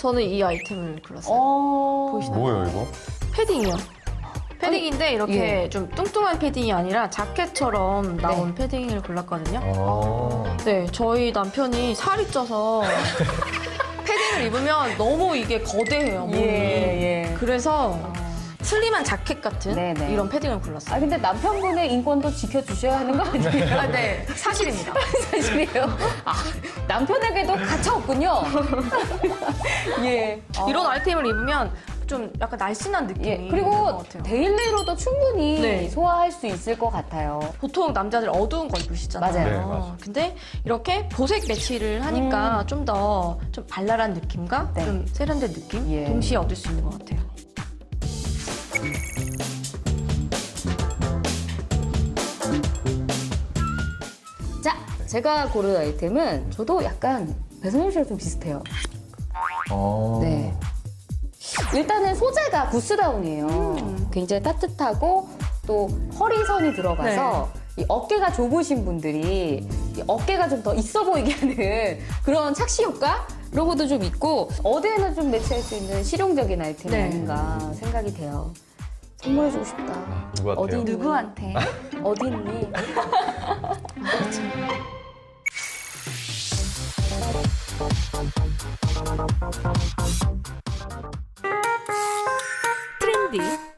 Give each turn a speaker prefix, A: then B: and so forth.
A: 저는 이 아이템을 골랐어요. 보이시나요?
B: 뭐예요, 이거?
A: 패딩이요. 패딩인데 이렇게
C: 예.
A: 좀 뚱뚱한 패딩이 아니라 자켓처럼 나온 패딩을 골랐거든요.
B: 아.
A: 네, 저희 남편이 살이 쪄서 패딩을 입으면 너무 이게 거대해요, 몸이.
C: 예.
A: 그래서 슬림한 자켓 같은
C: 네네.
A: 이런 패딩을 골랐어요.
C: 아, 근데 남편분의 인권도 지켜주셔야 하는 거 아니에요?
A: 아, 네, 사실입니다.
C: 사실이에요. 아, 남편에게도 가차 없군요. 예.
A: 이런 아이템을 입으면 좀 약간 날씬한 느낌이
C: 예.
A: 있는
C: 그리고
A: 것 같아요.
C: 데일리로도 충분히
A: 네.
C: 소화할 수 있을 것 같아요.
A: 보통 남자들 어두운 거 입으시잖아요.
C: 맞아요.
B: 네, 맞아요.
A: 근데 이렇게 보색 매치를 하니까 좀 더 좀 발랄한 느낌과
C: 네.
A: 좀 세련된 느낌
C: 예.
A: 동시에 얻을 수 있는 것 같아요.
C: 자, 제가 고른 아이템은 저도 약간 배선영 씨랑 좀 비슷해요. 네. 일단은 소재가 구스다운이에요. 굉장히 따뜻하고 또 허리선이 들어가서 이 어깨가 좁으신 분들이 이 어깨가 좀 더 있어 보이게 하는 그런 착시 효과? 이런 것도 좀 있고 어디에나 좀 매치할 수 있는 실용적인 아이템이
A: 네.
C: 아닌가 생각이 돼요. 선물해주고 싶다.
B: 누구한테요?
C: 어디 있니?
A: 누구한테?
C: 어디 있니?